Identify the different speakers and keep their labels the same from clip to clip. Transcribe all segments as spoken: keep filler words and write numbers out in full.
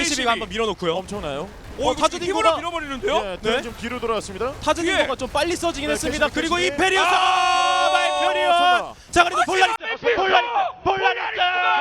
Speaker 1: 케이씨비가 한번 밀어놓고요.
Speaker 2: 엄청나요.
Speaker 3: 오,
Speaker 1: 어, 타즈
Speaker 3: 힘으로
Speaker 1: 딩고가
Speaker 3: 밀어버리는데요?
Speaker 2: 네,
Speaker 1: 네.
Speaker 2: 좀 뒤로 돌아왔습니다.
Speaker 1: 타즈
Speaker 3: 뒤에.
Speaker 1: 딩고가 좀 빨리 써지긴
Speaker 2: 네,
Speaker 1: 했습니다.
Speaker 2: 케이씨비,
Speaker 1: 그리고
Speaker 2: 케이씨비.
Speaker 1: 이페리오스!
Speaker 2: 아,
Speaker 1: 마이페리오스!
Speaker 2: 설마.
Speaker 1: 자, 그래도 볼라리스! 볼라리스! 볼라리스!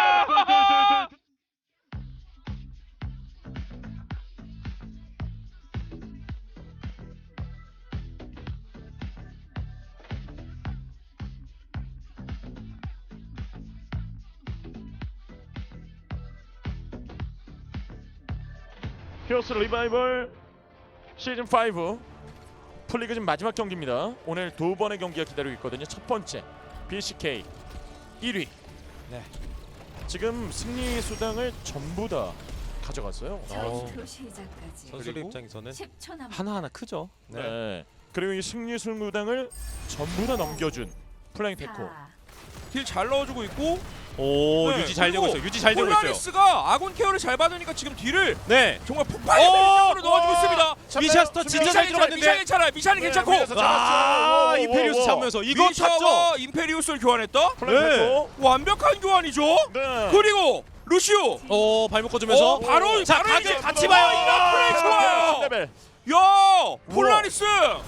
Speaker 2: 히어스 리바이벌 시즌 오 풀리그 지금 마지막 경기입니다. 오늘 두 번의 경기가 기다리고 있거든요. 첫 번째 비씨케이 일 위.
Speaker 1: 네.
Speaker 2: 지금 승리 수당을 전부 다 가져갔어요.
Speaker 4: 전투 시작까지
Speaker 1: 선수들
Speaker 2: 그리고
Speaker 1: 입장에서는
Speaker 4: 십 초 남.
Speaker 1: 하나하나 크죠.
Speaker 2: 네. 그리고 이 승리 수당을 전부 다 넘겨준 플라잉 테코.
Speaker 3: 딜 잘 넣어주고 있고
Speaker 1: 오,
Speaker 3: 네,
Speaker 1: 유지 잘 되고
Speaker 3: 그리고
Speaker 1: 있어요. 유지 잘 되고 있어요.
Speaker 3: 폴라리스가 아군 케어를 잘 받으니까 지금 딜을
Speaker 1: 네.
Speaker 3: 정말 폭발의
Speaker 1: 오!
Speaker 3: 능력으로 넣어주고 있습니다.
Speaker 1: 미샤스터 진짜 잘
Speaker 3: 미샤
Speaker 1: 들어갔는데.
Speaker 3: 괜찮아, 미샤는 괜찮고.
Speaker 1: 아,
Speaker 2: 오,
Speaker 1: 이페리오스
Speaker 2: 오, 오.
Speaker 1: 잡으면서 이거 탔죠.
Speaker 3: 미샤와 임페리우스를 교환했다?
Speaker 2: 플라잉
Speaker 1: 네.
Speaker 2: 테코.
Speaker 3: 완벽한 교환이죠.
Speaker 2: 네.
Speaker 3: 그리고 루시오.
Speaker 1: 오, 발목 꺼주면서
Speaker 3: 어, 바로
Speaker 1: 자,
Speaker 3: 바로
Speaker 1: 각을
Speaker 3: 이제
Speaker 1: 같이 봐요.
Speaker 3: 이거 플레이 좋아요.
Speaker 2: 레벨.
Speaker 3: 야, 폴라리스.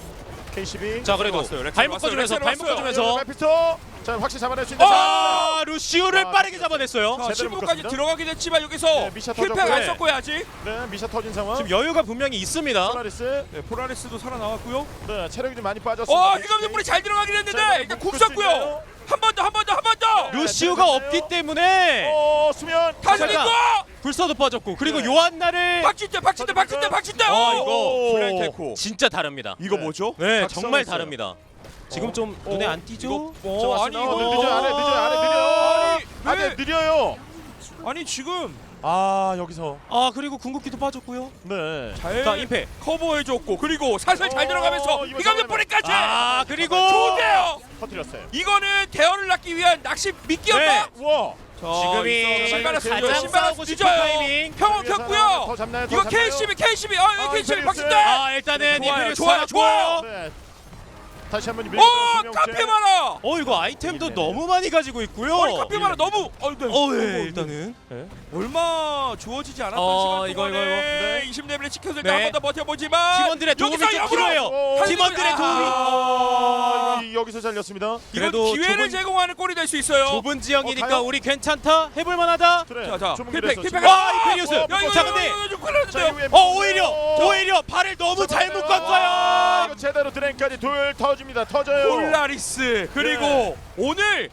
Speaker 2: 케이씨비.
Speaker 1: 자, 그래도
Speaker 3: 왔어요. 렉스
Speaker 1: 발목
Speaker 3: 왔어요.
Speaker 1: 꺼주면서
Speaker 3: 렉스
Speaker 1: 발목
Speaker 3: 왔어요.
Speaker 1: 꺼주면서
Speaker 2: 메피스토. 자, 확실히 잡아낼 수 있는.
Speaker 1: 아, 루시오를
Speaker 2: 아,
Speaker 1: 빠르게 잡아냈어요.
Speaker 3: 자,
Speaker 2: 제대로
Speaker 3: 십구까지
Speaker 2: 묶었습니다.
Speaker 3: 들어가긴 했지만 여기서
Speaker 2: 네, 미샤
Speaker 3: 킬팩
Speaker 2: 터졌고요.
Speaker 3: 안 썼고요 아직.
Speaker 2: 네, 미샤 터진 상황.
Speaker 1: 지금 여유가 분명히 있습니다.
Speaker 2: 폴라리스.
Speaker 3: 네, 폴라리스도 살아나왔고요.
Speaker 2: 네, 체력이 좀 많이 빠졌습니다.
Speaker 3: 어, 휘감는 불이 잘 들어가긴
Speaker 2: 자,
Speaker 3: 했는데
Speaker 2: 이거
Speaker 3: 일단
Speaker 2: 묶을
Speaker 3: 굽
Speaker 2: 수
Speaker 3: 썼고요.
Speaker 2: 있나요?
Speaker 3: 한 번 더, 한 번 더, 한 번 더.
Speaker 1: 루시오가
Speaker 2: 네,
Speaker 1: 없기 때문에
Speaker 2: 어, 수면.
Speaker 3: 다시
Speaker 1: 잠깐.
Speaker 3: 링고.
Speaker 1: 불사도 빠졌고 그리고
Speaker 2: 네.
Speaker 1: 요한나를
Speaker 3: 박진대, 박진대, 박진대, 박진대.
Speaker 1: 아,
Speaker 3: 오!
Speaker 1: 이거
Speaker 3: 플레이 테코.
Speaker 1: 진짜 다릅니다.
Speaker 3: 이거
Speaker 2: 네.
Speaker 3: 뭐죠?
Speaker 1: 네,
Speaker 2: 각성했어요.
Speaker 1: 정말 다릅니다. 지금
Speaker 3: 어.
Speaker 1: 좀 눈에
Speaker 2: 어.
Speaker 1: 안 띄죠?
Speaker 3: 어,
Speaker 2: 자,
Speaker 3: 아니
Speaker 2: 왔습니다.
Speaker 3: 이거
Speaker 2: 어, 늦어요. 안에 늦어요. 안에 느려.
Speaker 3: 아니,
Speaker 2: 안에
Speaker 3: 왜?
Speaker 2: 느려요.
Speaker 3: 아니 지금
Speaker 2: 아, 여기서.
Speaker 1: 아, 그리고 궁극기도 빠졌고요.
Speaker 2: 네.
Speaker 3: 잘
Speaker 1: 자, 임페.
Speaker 3: 커버해줬고 그리고 살살 잘
Speaker 2: 어,
Speaker 3: 들어가면서
Speaker 2: 이거
Speaker 3: 휘감는
Speaker 2: 잡아내면-
Speaker 3: 뿌리까지.
Speaker 1: 아, 그리고
Speaker 3: 좋은데요.
Speaker 2: 터뜨렸어요.
Speaker 3: 이거는 대어를 낳기 위한 낚시 미끼였다.
Speaker 1: 네.
Speaker 2: 우와.
Speaker 3: 자,
Speaker 1: 지금이
Speaker 3: 있어. 신발을
Speaker 2: 가장
Speaker 3: 쓰죠. 신발을
Speaker 1: 싸우고 싶은
Speaker 3: 뒤져요.
Speaker 1: 타이밍.
Speaker 3: 평원
Speaker 2: 위에서
Speaker 3: 켰고요.
Speaker 2: 더 잡나요? 더
Speaker 3: 이거
Speaker 2: 잡나요?
Speaker 3: 케이씨비, 케이씨비. 아,
Speaker 2: 아,
Speaker 3: 케이씨비
Speaker 2: 이페리우스.
Speaker 3: 박진대.
Speaker 1: 아, 일단은
Speaker 3: 좋아요,
Speaker 1: 이페리우스
Speaker 3: 좋아요,
Speaker 1: 살았고.
Speaker 3: 좋아요.
Speaker 2: 네. 다시 한번
Speaker 3: 오,
Speaker 2: 밀어주는
Speaker 3: 카페마라.
Speaker 1: 어, 이거 아이템도
Speaker 2: 네, 네.
Speaker 1: 너무 많이 가지고 있고요.
Speaker 3: 아니 카페마라 너무 어, 네.
Speaker 1: 어, 예,
Speaker 3: 어,
Speaker 1: 일단은.
Speaker 3: 얼마 주어지지 않았던
Speaker 1: 어,
Speaker 3: 시간
Speaker 1: 이거,
Speaker 3: 동안에
Speaker 1: 이거, 이거.
Speaker 2: 네.
Speaker 3: 이십 레벨에 찍혔을
Speaker 1: 네.
Speaker 3: 때 한 번 더 버텨보지만
Speaker 1: 팀원들의 도움이
Speaker 3: 여기서
Speaker 1: 좀
Speaker 3: 역으로
Speaker 1: 필요해요.
Speaker 2: 오,
Speaker 1: 팀원들의
Speaker 3: 아,
Speaker 1: 도움이.
Speaker 2: 아, 이- 여기서 잘렸습니다.
Speaker 3: 이건
Speaker 1: 그래도
Speaker 3: 기회를
Speaker 1: 좁은-
Speaker 3: 제공하는 꼴이 될 수 있어요.
Speaker 1: 좁은 지형이니까
Speaker 2: 어, 가요?
Speaker 1: 우리 괜찮다. 해볼 만하다.
Speaker 2: 그래.
Speaker 3: 자, 자,
Speaker 2: 좁은
Speaker 3: 킬팩,
Speaker 2: 길에서
Speaker 3: 킬팩.
Speaker 2: 지금.
Speaker 1: 와, 이페리우스.
Speaker 2: 어,
Speaker 3: 야, 이거
Speaker 1: 자,
Speaker 3: 이거,
Speaker 1: 근데
Speaker 3: 이거, 이거 좀
Speaker 2: 자,
Speaker 3: 큰일났는데요.
Speaker 2: 이후에
Speaker 1: 어, 오히려
Speaker 2: 어,
Speaker 1: 오히려 발을 너무 잘
Speaker 2: 잡았어요.
Speaker 1: 묶었어요.
Speaker 2: 아, 이거 제대로 드랭까지 둘 터집니다. 터져요.
Speaker 3: 폴라리스 그리고
Speaker 2: 네.
Speaker 3: 오늘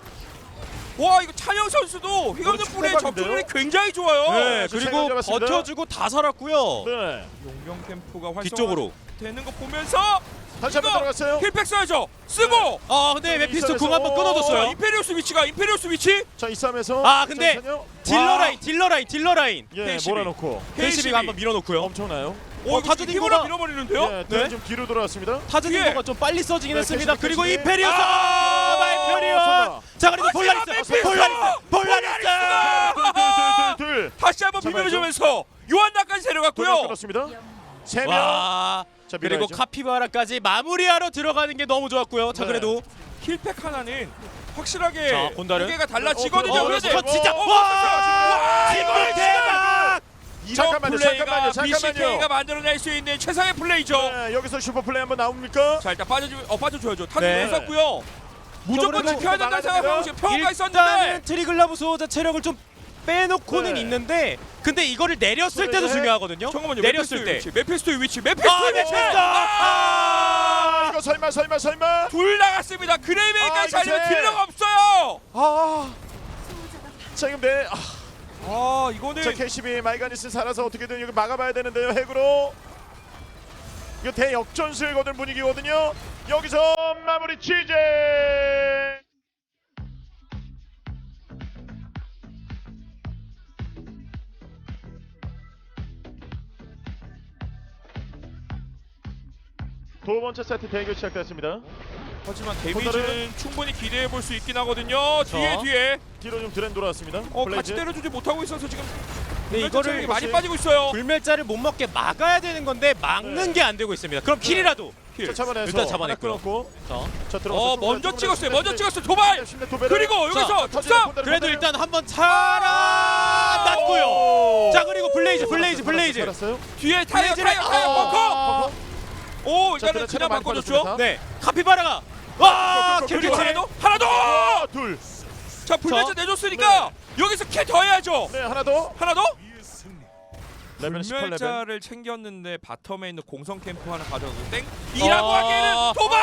Speaker 3: 와 이거 찬영 선수도 휘감는
Speaker 2: 이거
Speaker 3: 불의
Speaker 2: 축구박인데요?
Speaker 3: 접근력이 굉장히 좋아요.
Speaker 1: 네,
Speaker 2: 자,
Speaker 1: 그리고
Speaker 2: 세번 잡았습니다.
Speaker 1: 버텨주고 다 살았고요.
Speaker 2: 네.
Speaker 3: 용병 캠프가 활성화
Speaker 1: 뒤쪽으로.
Speaker 3: 되는 거 보면서
Speaker 2: 다시 한번
Speaker 3: 이거
Speaker 2: 들어갔어요.
Speaker 3: 힐팩 써야죠. 쓰고
Speaker 1: 아, 근데 메피스토
Speaker 2: 이선에서-
Speaker 1: 궁 한번
Speaker 3: 어,
Speaker 1: 끊어줬어요.
Speaker 3: 임페리우스 위치가 임페리우스 위치
Speaker 2: 자, 이 싸움에서
Speaker 1: 아, 근데
Speaker 2: 잠시만요.
Speaker 1: 딜러
Speaker 3: 와.
Speaker 1: 라인, 딜러 라인, 딜러 라인.
Speaker 2: 예,
Speaker 3: 케이씨비.
Speaker 2: 몰아놓고
Speaker 1: 케이씨비가 한번 밀어놓고요.
Speaker 2: 엄청나요.
Speaker 3: 오,
Speaker 1: 어, 타즈
Speaker 3: 힘으로
Speaker 1: 딩고가-
Speaker 3: 밀어버리는데요.
Speaker 2: 예,
Speaker 1: 네.
Speaker 2: 네. 좀 뒤로 돌아왔습니다.
Speaker 1: 타즈
Speaker 3: 뒤에.
Speaker 1: 딩고가 좀 빨리 써지긴
Speaker 2: 네,
Speaker 1: 했습니다.
Speaker 2: 케이씨비,
Speaker 1: 그리고
Speaker 2: 케이씨비.
Speaker 1: 이페리오스,
Speaker 3: 아,
Speaker 1: 마이페리오스.
Speaker 2: 설마.
Speaker 1: 자, 그리고
Speaker 3: 하지마,
Speaker 1: 폴라리스,
Speaker 3: 메피스토!
Speaker 1: 폴라리스, 폴라리스.
Speaker 2: 둘.
Speaker 3: 다시 한번
Speaker 2: 잡아야죠.
Speaker 3: 비벼주면서 요한나까지
Speaker 2: 둘
Speaker 3: 데려갔고요.
Speaker 2: 끊었습니다. 세 명.
Speaker 1: 와.
Speaker 2: 자,
Speaker 1: 그리고
Speaker 2: 밀어야죠.
Speaker 1: 카피바라까지 마무리하러 들어가는 게 너무 좋았고요. 자,
Speaker 2: 네.
Speaker 1: 그래도
Speaker 3: 힐팩 하나는 확실하게
Speaker 1: 자, 본다를.
Speaker 3: 무게가 달라지거든요.
Speaker 2: 어, 어,
Speaker 3: 그런데
Speaker 2: 어,
Speaker 1: 저 진짜
Speaker 2: 어,
Speaker 1: 와!
Speaker 3: 와,
Speaker 1: 팀볼
Speaker 3: 이거
Speaker 1: 대박!
Speaker 3: 이런
Speaker 2: 잠깐만요,
Speaker 3: 플레이가
Speaker 2: 잠깐만요, 잠깐만요.
Speaker 3: 비씨케이가 만들어낼 수 있는 최상의 플레이죠.
Speaker 2: 네, 여기서 슈퍼 플레이 한번 나옵니까?
Speaker 3: 자 일단 빠져주 어 빠져줘야죠. 타겟
Speaker 1: 네.
Speaker 3: 했었고요. 무조건
Speaker 1: 그래도
Speaker 3: 지켜야 된다는 생각하고 지금 평가
Speaker 1: 일단은
Speaker 3: 있었는데
Speaker 1: 트리글라브 소호자 체력을 좀 빼놓고는
Speaker 2: 네.
Speaker 1: 있는데 근데 이거를 내렸을 때도
Speaker 2: 네.
Speaker 1: 중요하거든요.
Speaker 3: 잠깐만요.
Speaker 1: 내렸을 때.
Speaker 3: 위치, 메피스토의 위치, 메피스토의
Speaker 1: 아,
Speaker 3: 위치.
Speaker 1: 메피스토!
Speaker 2: 아, 이거 설마 설마 설마.
Speaker 3: 둘 나갔습니다.
Speaker 2: 아,
Speaker 3: 그레이메이까지
Speaker 2: 이거
Speaker 3: 살리면
Speaker 2: 제-
Speaker 3: 딜러가 없어요.
Speaker 2: 아, 자 지금 네. 아,
Speaker 3: 아 이거는
Speaker 2: 자 케이씨비 마이가니스 살아서 어떻게든 여기 막아봐야 되는데요. 핵으로. 이거 대역전승을 거둔 분위기거든요. 여기서 마무리 취재. 두 번째 세트 대결 시작됐습니다.
Speaker 3: 하지만
Speaker 2: 혼다를-
Speaker 3: 데미지는 충분히 기대해 볼 수 있긴 하거든요. 뒤에
Speaker 1: 자.
Speaker 3: 뒤에
Speaker 2: 뒤로 좀 드랜 돌아왔습니다.
Speaker 3: 어
Speaker 2: 블레이즈.
Speaker 3: 같이 때려주지 못하고 있어서 지금
Speaker 1: 네,
Speaker 3: 이거를
Speaker 1: 이거를
Speaker 3: 많이 빠지고 있어요.
Speaker 1: 불멸자를 못 먹게 막아야 되는 건데 막는
Speaker 2: 네.
Speaker 1: 게 안 되고 있습니다. 그럼 킬이라도.
Speaker 2: 자, 잡아내서
Speaker 1: 일단 잡아냈고요.
Speaker 2: 하나 끊었고.
Speaker 1: 자,
Speaker 2: 자 들어가서
Speaker 3: 어 먼저 찍었어요. 먼저 찍었어요. 도발. 그리고 여기서
Speaker 2: 자,
Speaker 3: 득점.
Speaker 1: 그래도 일단 한번 살아났고요. 자 그리고 블레이즈 블레이즈 블레이즈.
Speaker 2: 살았어요?
Speaker 3: 뒤에 타이어
Speaker 1: 블레이즈를-
Speaker 3: 타이어 타이어
Speaker 1: 아.
Speaker 3: 벙커. 오
Speaker 2: 자,
Speaker 3: 일단은
Speaker 2: 그래,
Speaker 3: 그냥
Speaker 2: 많이
Speaker 3: 바꿔줬죠.
Speaker 2: 빠졌습니다.
Speaker 1: 네 카피바라가 와
Speaker 2: 고, 고, 고,
Speaker 1: 킬캐치.
Speaker 2: 고,
Speaker 3: 하나 더 하나 더.
Speaker 2: 아, 둘.
Speaker 3: 자 불면제 내줬으니까 여기서 킬 더 해야죠.
Speaker 2: 네, 하나 더.
Speaker 3: 하나 더.
Speaker 2: 레벨 십팔 레벨.
Speaker 3: 불멸자를 챙겼는데 바텀에 있는 공성 캠프 하나 가져가고 땡. 이라고
Speaker 1: 아.
Speaker 3: 하기에는 도발.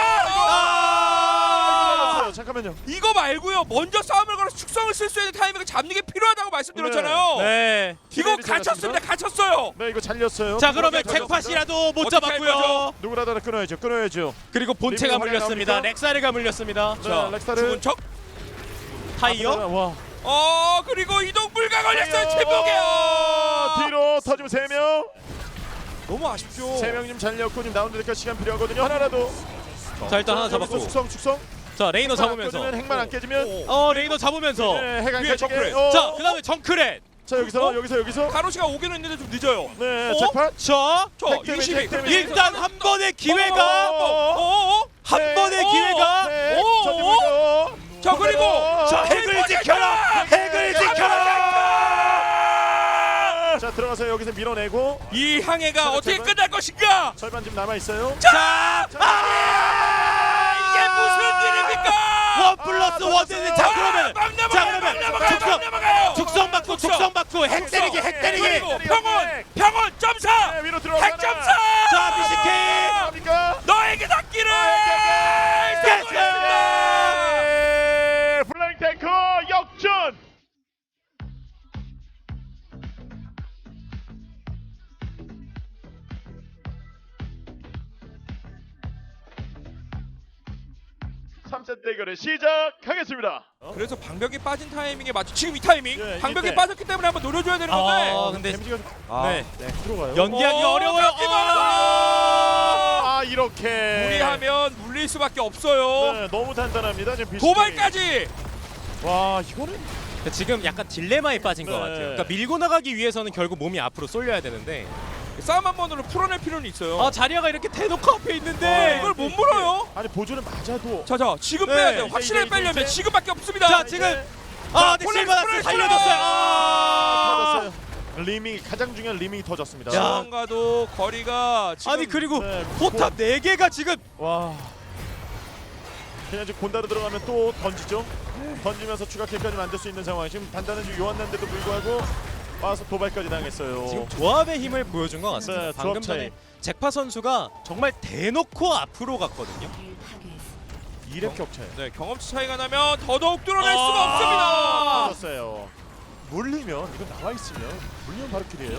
Speaker 2: 아,
Speaker 3: 아.
Speaker 2: 잠깐만요.
Speaker 3: 이거 말고요. 먼저 싸움을 걸어서 축성을 쓸 수 있는 타이밍을 잡는 게 필요하다고 말씀드렸잖아요.
Speaker 1: 네.
Speaker 3: 이거
Speaker 2: 기회를
Speaker 3: 갇혔습니다.
Speaker 2: 잡았습니다.
Speaker 3: 갇혔어요.
Speaker 2: 네, 이거 잘렸어요.
Speaker 1: 자 그러면
Speaker 2: 누구라도
Speaker 1: 잭팟이라도 못
Speaker 3: 어떻게 할
Speaker 1: 잡았고요.
Speaker 3: 거죠?
Speaker 2: 누구라도 하나 끊어야죠. 끊어야죠.
Speaker 1: 그리고 본체가
Speaker 2: 리뷰
Speaker 1: 물렸습니다.
Speaker 2: 나옵니까?
Speaker 1: 렉사르가 물렸습니다.
Speaker 2: 네,
Speaker 3: 자
Speaker 2: 렉사르.
Speaker 3: 죽은 척.
Speaker 1: 타이어.
Speaker 2: 와.
Speaker 3: 어 그리고 이동 불가 걸렸어요. 침묵이요.
Speaker 2: 뒤로 터지면 세 명.
Speaker 3: 너무 아쉽죠.
Speaker 2: 세 명 좀 잘렸고 지금 나오는 데까지 시간 필요하거든요. 하나라도.
Speaker 1: 자 일단 하나
Speaker 2: 여기서
Speaker 1: 잡았고.
Speaker 2: 축성 축성.
Speaker 1: 자 레이너 잡으면서.
Speaker 2: 깨지면 핵만 안 깨지면.
Speaker 1: 어 레이너 잡으면서.
Speaker 2: 네, 핵 안
Speaker 3: 위에
Speaker 2: 깨지게.
Speaker 3: 정크레.
Speaker 2: 어.
Speaker 1: 자 그다음에 정크렛.
Speaker 2: 자 여기서
Speaker 3: 어?
Speaker 2: 여기서 여기서.
Speaker 3: 가로시가 오기는 있는데 좀 늦어요.
Speaker 2: 네,
Speaker 3: 어?
Speaker 2: 잭팟.
Speaker 1: 자
Speaker 3: 저
Speaker 2: 핵 데미지,
Speaker 3: 이십이.
Speaker 2: 핵 데미지.
Speaker 1: 일단 한 번의 기회가
Speaker 3: 어어어.
Speaker 1: 한
Speaker 2: 네.
Speaker 1: 번의
Speaker 3: 어,
Speaker 1: 기회가.
Speaker 2: 네,
Speaker 3: 오,
Speaker 2: 저기
Speaker 3: 오.
Speaker 2: 보이죠?
Speaker 3: 자 그리고
Speaker 1: 자 핵을 지켜라. 핵을 지켜라.
Speaker 2: 자 들어가서 여기서 밀어내고
Speaker 3: 이 항해가
Speaker 2: 제발,
Speaker 3: 어떻게
Speaker 2: 제발.
Speaker 3: 끝날 것인가?
Speaker 2: 절반 지금 남아 있어요.
Speaker 1: 자
Speaker 3: 아, 이게 무슨 일입니까?
Speaker 1: 원 플러스 원 되는 자 그러면
Speaker 3: 막 넘어가요,
Speaker 1: 자
Speaker 3: 막
Speaker 1: 그러면
Speaker 3: 넘어가요,
Speaker 1: 죽성
Speaker 3: 막 넘어가요.
Speaker 1: 죽성 받고 죽성 받고 핵 때리기 핵 때리기.
Speaker 3: 그리고 평원 평원 점사
Speaker 2: 네, 위로 들어가.
Speaker 3: 핵 점사.
Speaker 1: 자 비씨케이.
Speaker 2: 갑니까?
Speaker 3: 너에게 닿기를.
Speaker 2: 네, 블랙 탱커 역전. 삼 세트 대결을 시작하겠습니다.
Speaker 3: 그래서 방벽이 빠진 타이밍에 맞춰 지금 이 타이밍
Speaker 2: 예,
Speaker 3: 방벽이
Speaker 2: 이때.
Speaker 3: 빠졌기 때문에 한번 노려줘야 되는 건데.
Speaker 1: 아 근데
Speaker 2: 데미지가
Speaker 3: 아,
Speaker 1: 네.
Speaker 2: 네, 들어가요.
Speaker 1: 연기하기
Speaker 3: 어,
Speaker 1: 어려워요.
Speaker 3: 깎기만
Speaker 1: 아!
Speaker 2: 아 이렇게
Speaker 3: 무리하면 물릴 수밖에 없어요.
Speaker 2: 네, 너무 단단합니다. 지금 비스킷.
Speaker 3: 도발까지.
Speaker 2: 와 이거는
Speaker 1: 그러니까 지금 약간 딜레마에 빠진 것
Speaker 2: 네.
Speaker 1: 같아요. 그러니까 밀고 나가기 위해서는 결국 몸이 앞으로 쏠려야 되는데
Speaker 3: 싸움 한 번으로 풀어낼 필요는 있어요.
Speaker 1: 아 자리아가 이렇게 대놓고 앞에 있는데
Speaker 3: 네, 이걸 못 물어요.
Speaker 2: 아니 보조는 맞아도
Speaker 3: 자자 지금
Speaker 2: 네,
Speaker 3: 빼야 돼요.
Speaker 2: 이제,
Speaker 3: 확실하게
Speaker 2: 이제,
Speaker 3: 빼려면
Speaker 2: 이제.
Speaker 3: 지금밖에 없습니다.
Speaker 1: 자 지금 아 근데
Speaker 3: 폴라리스
Speaker 1: 실바나스
Speaker 3: 프레스!
Speaker 1: 살려줬어요. 아
Speaker 2: 터졌어요. 리밍이 가장 중요한 리밍이 터졌습니다.
Speaker 1: 야.
Speaker 3: 지금과도 거리가 지금
Speaker 1: 아니 그리고
Speaker 2: 네,
Speaker 1: 포탑 네 개가 지금
Speaker 2: 와 그냥 지금 곤다로 들어가면 또 던지죠. 던지면서 추가 킬까지 만들 수 있는 상황. 지금 단단한 지금 요한난데도 불구하고 와서 도발까지 당했어요.
Speaker 1: 지금 조합의 힘을 보여준 것 같습니다.
Speaker 2: 네,
Speaker 1: 방금
Speaker 2: 조합 차이.
Speaker 1: 전에 잭파 선수가 정말 대놓고 앞으로 갔거든요.
Speaker 2: 이렙 격차예요.
Speaker 3: 네, 경험치 차이가 나면 더더욱 뚫어낼 수가
Speaker 1: 아.
Speaker 3: 없습니다.
Speaker 2: 터졌어요. 물리면 이거 나와 있으면 물리면 바로 킬이에요.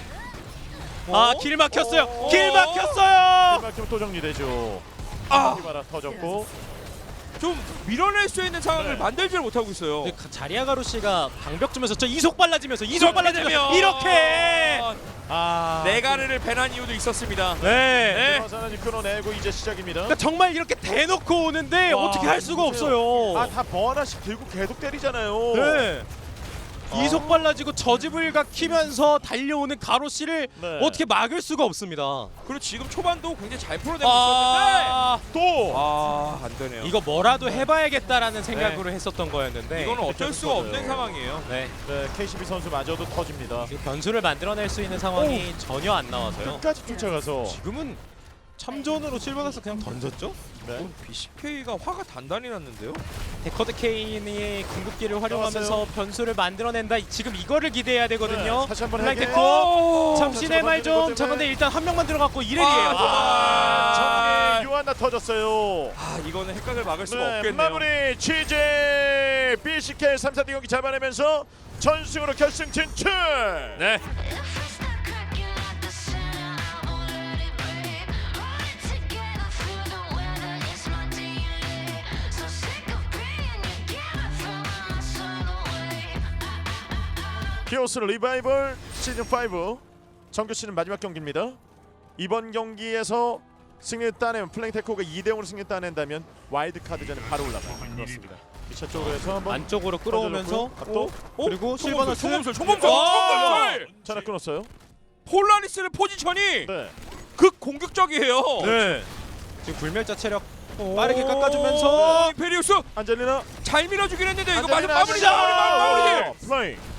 Speaker 1: 아 길 막혔어요. 길 막혔어요.
Speaker 2: 막히면 또 정리되죠.
Speaker 3: 아.
Speaker 2: 바라 터졌고.
Speaker 3: 좀 밀어낼 수 있는 상황을
Speaker 2: 네.
Speaker 3: 만들지를 못하고 있어요.
Speaker 1: 근데 가- 자리아 가루시가 방벽 주면서 저 이속 빨라지면서 이속 빨라지면서
Speaker 3: 되면
Speaker 1: 이렇게
Speaker 2: 아.
Speaker 3: 네가르를 배난 이유도 있었습니다.
Speaker 1: 네.
Speaker 3: 네.
Speaker 2: 화산은 끊어내고 이제 시작입니다.
Speaker 1: 그러니까 정말 이렇게 대놓고 오는데
Speaker 2: 와,
Speaker 1: 어떻게 할 수가
Speaker 2: 보세요.
Speaker 1: 없어요.
Speaker 2: 아, 다 뭐 하나씩 들고 계속 때리잖아요.
Speaker 1: 네.
Speaker 2: 아.
Speaker 1: 이속 빨라지고 저집을 각키면서 달려오는 가로 씨를
Speaker 2: 네.
Speaker 1: 어떻게 막을 수가 없습니다.
Speaker 3: 그리고 지금 초반도 굉장히 잘 풀어내고 있었는데
Speaker 1: 아,
Speaker 2: 또
Speaker 3: 아, 안 되네요.
Speaker 1: 이거 뭐라도 해봐야겠다라는 생각으로 했었던 거였는데
Speaker 3: 이거는 어쩔
Speaker 2: 계속
Speaker 3: 수가 없는
Speaker 2: 터져요.
Speaker 3: 상황이에요.
Speaker 1: 네.
Speaker 2: 네, 케이씨비 선수마저도 터집니다.
Speaker 1: 지금 변수를 만들어낼 수 있는 상황이 전혀 안 나와서요.
Speaker 2: 끝까지 쫓아가서
Speaker 1: 지금은 참전으로 실버나스 그냥 던졌죠?
Speaker 2: 네.
Speaker 3: 비씨케이가 화가 단단히 났는데요.
Speaker 1: 데커드 케인이 궁극기를 활용하면서
Speaker 2: 나왔어요.
Speaker 1: 변수를 만들어낸다. 지금 이거를 기대해야 되거든요.
Speaker 2: 네, 다시 한번
Speaker 1: 블랙
Speaker 2: 해게.
Speaker 1: 데커.
Speaker 3: 오!
Speaker 1: 잠시내 말 좀.
Speaker 2: 때문에.
Speaker 1: 자 근데 일단 한 명만 들어갔고 이렐이에요.
Speaker 3: 아,
Speaker 2: 정리 요한나 터졌어요.
Speaker 3: 아, 이거는 핵각을 막을 수가
Speaker 2: 네,
Speaker 3: 없겠네요.
Speaker 2: 마무리 취재 비씨케이 삼 사 대 경기 잡아내면서 전승으로 결승 진출.
Speaker 3: 네.
Speaker 2: 히오스 리바이벌 시즌 오 정규 시즌 마지막 경기입니다. 이번 경기에서 승리를 따내면 플랭테코가 이 대 영으로 승리를 따낸다면 와일드 카드전에 바로 올라가요. 그렇습니다. 이차 쪽으로 해서 한번
Speaker 1: 안쪽으로 끌어오면서
Speaker 2: 또
Speaker 3: 어?
Speaker 1: 그리고 실버나스
Speaker 3: 총검술, 총검술,
Speaker 1: 아!
Speaker 3: 총검술.
Speaker 2: 전화 끊었어요.
Speaker 3: 폴라리스의 포지션이
Speaker 2: 네.
Speaker 3: 극 공격적이에요.
Speaker 1: 네. 지금 불멸자 체력
Speaker 3: 오.
Speaker 1: 빠르게 깎아주면서
Speaker 3: 어, 임페리우스
Speaker 2: 안젤리나
Speaker 3: 잘 밀어주긴 했는데 이거 마지막
Speaker 2: 안젤리나,
Speaker 3: 마무리 마무리 마무리 마무리.
Speaker 2: 플레이.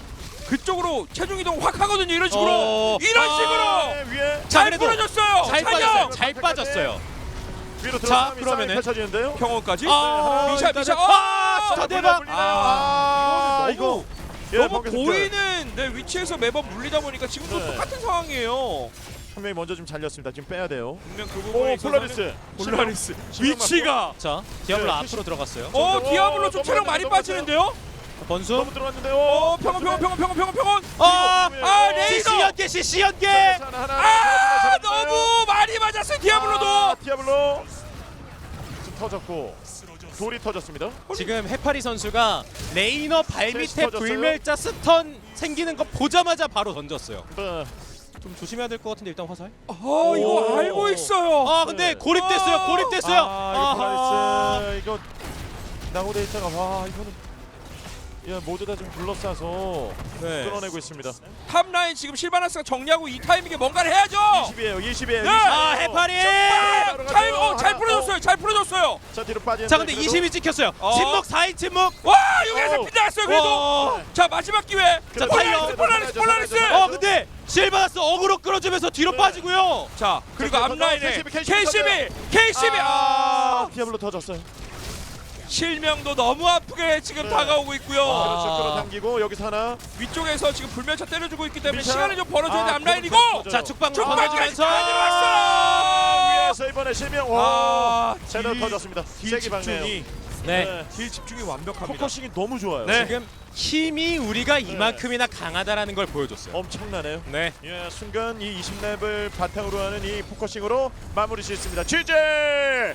Speaker 3: 그쪽으로 체중 이동 확 하거든요. 이런 식으로
Speaker 1: 어.
Speaker 3: 이런
Speaker 1: 아.
Speaker 3: 식으로
Speaker 2: 네, 위에
Speaker 1: 자,
Speaker 3: 잘
Speaker 1: 그래도
Speaker 3: 풀어줬어요.
Speaker 1: 잘
Speaker 3: 찬영
Speaker 1: 빠졌어요. 잘 빠졌어요.
Speaker 2: 위로
Speaker 1: 자,
Speaker 2: 들어가면
Speaker 1: 그러면은
Speaker 2: 펼쳐지는데요.
Speaker 3: 경호까지
Speaker 1: 아,
Speaker 3: 미샤
Speaker 1: 일단은-
Speaker 3: 미샤
Speaker 1: 아,
Speaker 3: 아,
Speaker 1: 자, 대박.
Speaker 2: 아,
Speaker 3: 아,
Speaker 2: 이거 예,
Speaker 3: 너무
Speaker 2: 번개선
Speaker 3: 보이는 네, 위치에서 매번 물리다 보니까 지금도
Speaker 2: 네.
Speaker 3: 똑같은 상황이에요.
Speaker 2: 한 명이 먼저 좀 잘렸습니다. 지금 빼야 돼요.
Speaker 3: 분명 그
Speaker 2: 오,
Speaker 3: 부분에 있어서는
Speaker 2: 폴라리스.
Speaker 3: 폴라리스
Speaker 2: 실명
Speaker 3: 위치가
Speaker 1: 자, 디아블로
Speaker 2: 네,
Speaker 1: 앞으로 들어갔어요.
Speaker 3: 어
Speaker 2: 오,
Speaker 3: 디아블로 좀 체력 많이
Speaker 2: 넘어갔어요.
Speaker 3: 빠지는데요.
Speaker 1: 번수.
Speaker 2: 너무 들어갔는데요.
Speaker 3: 어 평원 평원 평원 평원 평원 평원
Speaker 1: 아,
Speaker 3: 아, 레이더!
Speaker 1: 씨씨 연계, 씨씨 연계.
Speaker 2: 하나, 하나,
Speaker 3: 아
Speaker 2: 하나,
Speaker 3: 너무 많이 맞았어요 디아블로도.
Speaker 2: 아, 디아블로 지금 터졌고 돌이 터졌습니다.
Speaker 1: 지금 해파리 선수가 레이너 발
Speaker 2: 셋이
Speaker 1: 밑에
Speaker 2: 터졌어요.
Speaker 1: 불멸자 스턴 생기는 거 보자마자 바로 던졌어요.
Speaker 2: 네.
Speaker 1: 좀 조심해야 될 것 같은데 일단 화살.
Speaker 3: 아 이거
Speaker 2: 오.
Speaker 3: 알고 있어요.
Speaker 1: 아 근데
Speaker 2: 네.
Speaker 1: 고립됐어요.
Speaker 3: 아.
Speaker 1: 고립됐어요.
Speaker 2: 아, 이거
Speaker 1: 아하.
Speaker 2: 폴라리스 이거 나고 데이터가 와 이거는 야 모두 다 지금 둘러싸서
Speaker 3: 네.
Speaker 2: 끌어내고 있습니다.
Speaker 3: 탑라인 지금 실바나스가 정리하고 이 타이밍에 뭔가를 해야죠.
Speaker 2: 이십이에요. 이십이에요.
Speaker 3: 네.
Speaker 1: 아 해파리.
Speaker 3: 잘, 어, 잘 풀어줬어요. 잘 풀어줬어요.
Speaker 2: 자 뒤로 빠지는.
Speaker 1: 자 근데 이십이 찍혔어요.
Speaker 3: 어.
Speaker 1: 침묵 사 인 침묵.
Speaker 3: 와 여기에서
Speaker 2: 오.
Speaker 3: 빗나갔어요. 그래도
Speaker 1: 와.
Speaker 3: 자 마지막 기회.
Speaker 1: 자,
Speaker 3: 폴라리스
Speaker 1: 달려.
Speaker 3: 폴라리스 폴라리스.
Speaker 1: 어 근데 실바나스 어그로 끌어주면서 뒤로
Speaker 2: 네.
Speaker 1: 빠지고요.
Speaker 3: 자 그리고
Speaker 2: 자,
Speaker 3: 앞라인에
Speaker 2: 케이씨비,
Speaker 3: 케이씨비 케이씨비
Speaker 2: 아,
Speaker 3: 아
Speaker 2: 디아블로 터졌어요.
Speaker 3: 실명도 너무 아프게 지금
Speaker 2: 네.
Speaker 3: 다가오고 있고요.
Speaker 1: 아.
Speaker 2: 그렇죠. 끌어당기고 여기서 하나.
Speaker 3: 위쪽에서 지금 불멸차 때려주고 있기 때문에
Speaker 2: 미샤.
Speaker 3: 시간을 좀 벌어줘야 돼
Speaker 2: 아,
Speaker 3: 앞라인이고.
Speaker 2: 그렇죠.
Speaker 1: 자 축방
Speaker 3: 축방까지
Speaker 1: 던져주면서.
Speaker 3: 가져왔어.
Speaker 2: 위에서 이번에 실명. 와.
Speaker 3: 아,
Speaker 2: 제대로
Speaker 3: 딜-
Speaker 2: 터졌습니다.
Speaker 3: 딜
Speaker 2: 세기 박네요.
Speaker 3: 집중이
Speaker 1: 네.
Speaker 3: 딜 집중이 완벽합니다.
Speaker 2: 포커싱이 너무 좋아요.
Speaker 3: 네.
Speaker 1: 지금 힘이 우리가 이만큼이나 강하다라는 걸 보여줬어요.
Speaker 2: 엄청나네요.
Speaker 1: 네.
Speaker 2: 예, 순간 이 이십 렙을 바탕으로 하는 이 포커싱으로 마무리 짓습니다. 지제!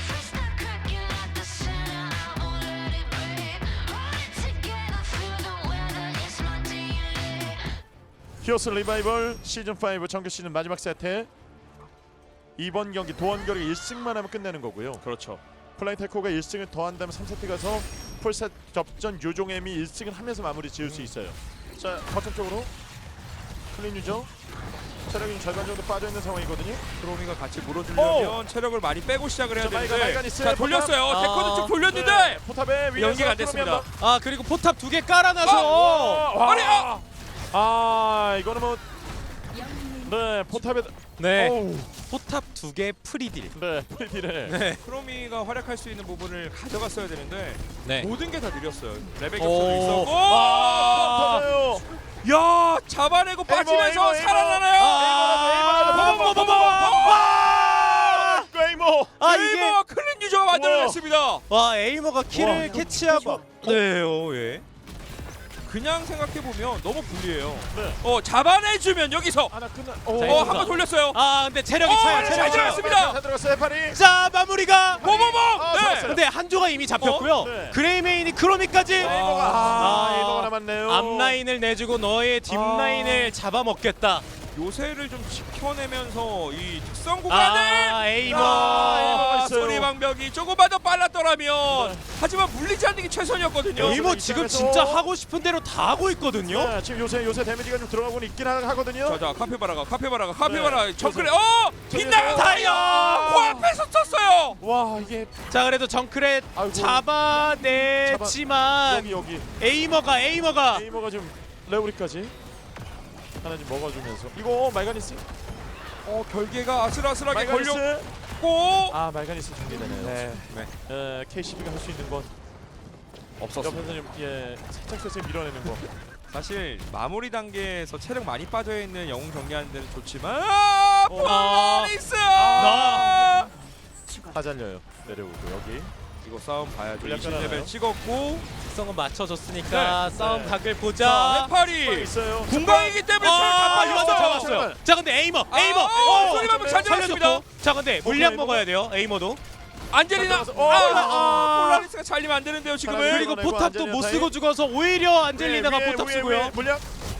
Speaker 2: 히어스 리바이벌 시즌 오 정규 시즌 마지막 세트. 이번 경기 도원결이 일 승만 하면 끝내는 거고요.
Speaker 3: 그렇죠.
Speaker 2: 플라잉 테코가 일 승을 더한다면 삼 세트 가서 풀셋 접전 요종엠이 일 승을 하면서 마무리 지을 수 있어요. 자, 거점 쪽으로 클린 유저. 체력이 좀 절반 정도 빠져 있는 상황이거든요.
Speaker 3: 드로미가 같이 물어주려면 체력을 많이 빼고 시작을 해야
Speaker 2: 자, 마이가
Speaker 3: 되는데
Speaker 2: 마이가 있어요.
Speaker 3: 자 돌렸어요.
Speaker 1: 포탑.
Speaker 3: 데코드 쪽
Speaker 1: 아.
Speaker 3: 돌렸는데
Speaker 2: 네, 포탑에 위에서
Speaker 3: 연기가 안 됐습니다.
Speaker 1: 아 그리고 포탑 두 개 깔아놔서.
Speaker 2: 와,
Speaker 3: 아니, 아!
Speaker 2: 아 이거는 뭐 네, 포탑에
Speaker 1: 네.
Speaker 2: 어우,
Speaker 1: 포탑 두 개 프리딜.
Speaker 2: 네, 프리딜에
Speaker 1: 네.
Speaker 3: 크로미가 활약할 수 있는 부분을 가져갔어야 되는데
Speaker 1: 네.
Speaker 3: 모든 게 다 느렸어요. 레벨
Speaker 1: 오.
Speaker 3: 격차도 있었고
Speaker 2: 아, 터져요.
Speaker 3: 야 잡아내고 빠지면서
Speaker 2: 에이머, 에이머.
Speaker 3: 살아나나요?
Speaker 1: 아,
Speaker 2: 에이머,
Speaker 1: 버버버버버.
Speaker 2: 와! 웨이모.
Speaker 1: 아 이게
Speaker 3: 에이머가 클린 유저가 만들어냈습니다.
Speaker 1: 와 에이머가 키를
Speaker 2: 와, 이거
Speaker 1: 캐치하고. 네, 어, 예.
Speaker 3: 그냥 생각해보면 너무 불리해요.
Speaker 2: 네.
Speaker 3: 어 잡아내주면 여기서
Speaker 2: 하나 끝나.
Speaker 1: 자,
Speaker 3: 어
Speaker 1: 이거
Speaker 3: 한 번 돌렸어요.
Speaker 1: 아 근데 체력이
Speaker 3: 어,
Speaker 1: 차요.
Speaker 3: 잘
Speaker 1: 체력이 차요.
Speaker 3: 들어갔습니다.
Speaker 2: 잘 들어갔어요, 파리.
Speaker 1: 자 마무리가.
Speaker 3: 모모모.
Speaker 2: 아,
Speaker 3: 네.
Speaker 2: 좋았어요.
Speaker 1: 근데 한조가 이미 잡혔고요.
Speaker 2: 어? 네.
Speaker 1: 그레이메인이 크로미까지.
Speaker 2: 에이머가
Speaker 1: 아.
Speaker 2: 아, 에이머가 남았네요.
Speaker 1: 앞라인을 내주고 너의 뒷라인을
Speaker 2: 아.
Speaker 1: 잡아먹겠다.
Speaker 3: 요새를 좀 지켜내면서 이 특성 구간을
Speaker 1: 아 에이머.
Speaker 2: 아, 에이머가
Speaker 3: 아,
Speaker 2: 있어요.
Speaker 3: 소리 방벽이 조금만 더 빨랐더라면 하지만 물리지 않는 게 최선이었거든요.
Speaker 2: 에이머
Speaker 1: 에이머 지금
Speaker 2: 입장에서-
Speaker 1: 진짜 하고 싶은 대로 다 하고 있거든요.
Speaker 2: 네, 지금 요새 요새 데미지가 좀 들어가고 있긴 하- 하거든요.
Speaker 3: 자자 카페바라가 카페바라가 카페바라
Speaker 2: 네.
Speaker 3: 정글에 어 빗나가
Speaker 1: 다이어!
Speaker 3: 코앞에서 쳤어요.
Speaker 2: 와 이게
Speaker 1: 자 그래도 정크렛
Speaker 2: 아이고.
Speaker 1: 잡아냈지만
Speaker 2: 여기 여기
Speaker 1: 에이머가 에이머가
Speaker 2: 에이머가 지금 레오리까지 하나 좀 먹어주면서 이거 말가니스
Speaker 3: 어 결계가 아슬아슬하게
Speaker 2: 말가니스
Speaker 3: 걸렸고
Speaker 2: 아 말가니스 준비되네요.
Speaker 3: 네.
Speaker 2: 에, 케이씨비가 할 수 있는 건
Speaker 3: 없었어.
Speaker 2: 옆에서 좀 예, 살짝 살짝 밀어내는 거.
Speaker 3: 사실 마무리 단계에서 체력 많이 빠져 있는 영웅 정리하는 데는 좋지만 아,
Speaker 2: 어.
Speaker 3: 폴라리스
Speaker 1: 나.
Speaker 2: 다 잘려요. 내려오고 여기.
Speaker 3: 이거 싸움 봐야죠.
Speaker 2: 물량
Speaker 3: 이십
Speaker 2: 깔아놔요.
Speaker 3: 레벨 찍었고
Speaker 1: 특성은 맞춰줬으니까
Speaker 2: 네.
Speaker 1: 싸움
Speaker 2: 네.
Speaker 1: 각을
Speaker 3: 자
Speaker 1: 보자.
Speaker 3: 해파리
Speaker 2: 있어요.
Speaker 3: 공방이기 때문에 체력 다
Speaker 1: 아 이거
Speaker 3: 빠졌어.
Speaker 1: 잡았어요. 자 근데 에이머
Speaker 3: 아,
Speaker 1: 에이머.
Speaker 3: 어, 소리 방금 잘 들었습니다.
Speaker 1: 살려줬고. 자 근데 물량
Speaker 2: 에이머가?
Speaker 1: 먹어야 돼요. 에이머도.
Speaker 3: 안젤리나
Speaker 2: 자, 들어가서- 어,
Speaker 3: 아,
Speaker 1: 아.
Speaker 3: 폴라리스가 잘리면 안 되는데요 지금은.
Speaker 2: 하나,
Speaker 1: 그리고
Speaker 2: 이거는
Speaker 1: 포탑도
Speaker 2: 안젤리나
Speaker 1: 못
Speaker 2: 타임.
Speaker 1: 쓰고 죽어서 오히려 안젤리나가
Speaker 2: 위에,
Speaker 1: 포탑
Speaker 2: 위에,
Speaker 1: 쓰고요.
Speaker 2: 위에 물량.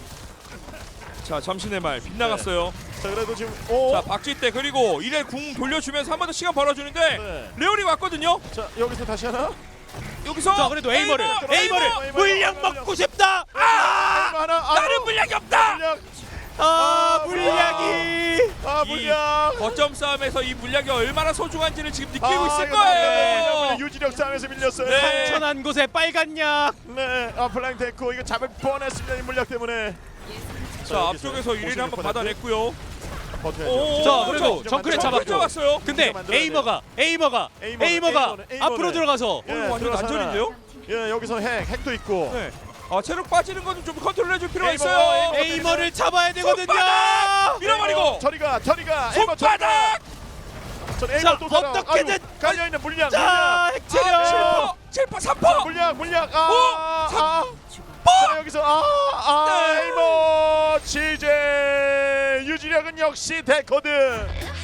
Speaker 3: 자 잠시내 말 빗나갔어요.
Speaker 2: 자 그래도 지금 오.
Speaker 3: 자 박쥐 그리고 이래 궁 돌려주면서 한 번 더 시간 벌어주는데
Speaker 2: 네.
Speaker 3: 레오리 왔거든요.
Speaker 2: 자 여기서 다시 하나.
Speaker 3: 여기서
Speaker 1: 자 그래도 에이머를
Speaker 3: 에이머,
Speaker 1: 에이머를
Speaker 2: 에이머,
Speaker 1: 물량
Speaker 2: 에이머.
Speaker 1: 먹고 싶다.
Speaker 2: 아 하나. 아,
Speaker 3: 나는 물량이 없다.
Speaker 2: 물량.
Speaker 1: 아
Speaker 2: 아,
Speaker 1: 물량이.
Speaker 2: 아 아,
Speaker 3: 이
Speaker 2: 물량.
Speaker 3: 거점 싸움에서 이 물량이 얼마나 소중한지를 지금 느끼고
Speaker 2: 아,
Speaker 3: 있을
Speaker 2: 이거
Speaker 3: 거예요.
Speaker 2: 물량, 유지력 싸움에서 밀렸어요.
Speaker 3: 네.
Speaker 1: 천한 곳에 빨간 약.
Speaker 2: 네, 아 플라잉 데코 이거 잡을 뻔했습니다. 이 물량 때문에.
Speaker 3: 자, 앞쪽에서 일 위를 한번 받아냈고요.
Speaker 2: 버텨야죠.
Speaker 1: 자, 그리고 정크레 잡았고.
Speaker 3: 잡았어요.
Speaker 1: 근데
Speaker 2: 만들어야
Speaker 1: 에이머가 에이머가
Speaker 2: 에이머는,
Speaker 1: 에이머가
Speaker 2: 에이머는, 에이머는.
Speaker 1: 앞으로 들어가서
Speaker 2: 예,
Speaker 3: 완전
Speaker 2: 들어가서
Speaker 3: 난전인데요?
Speaker 2: 예, 여기서 핵, 핵도 있고.
Speaker 3: 네. 아, 체력 빠지는 거는 좀 컨트롤해줄 필요가
Speaker 2: 에이머,
Speaker 3: 있어요.
Speaker 2: 에이머.
Speaker 1: 에이머를 잡아야 되거든요.
Speaker 3: 손바닥! 밀어버리고
Speaker 2: 저리가, 저리가. 에이머,
Speaker 3: 손바닥!
Speaker 2: 전 에이머
Speaker 1: 자,
Speaker 2: 또 살아.
Speaker 1: 어떻게든
Speaker 2: 아이고, 깔려 있는 물량.
Speaker 1: 자,
Speaker 3: 아,
Speaker 1: 핵체력.
Speaker 3: 칠 퍼! 칠 퍼! 삼 퍼!
Speaker 2: 물량, 물량. 아,
Speaker 3: 오,
Speaker 2: 아.
Speaker 4: 죽어.
Speaker 2: 자, 여기서 아, 아,
Speaker 3: 네.
Speaker 2: 에이머, 지제 유지력은 역시 데코드.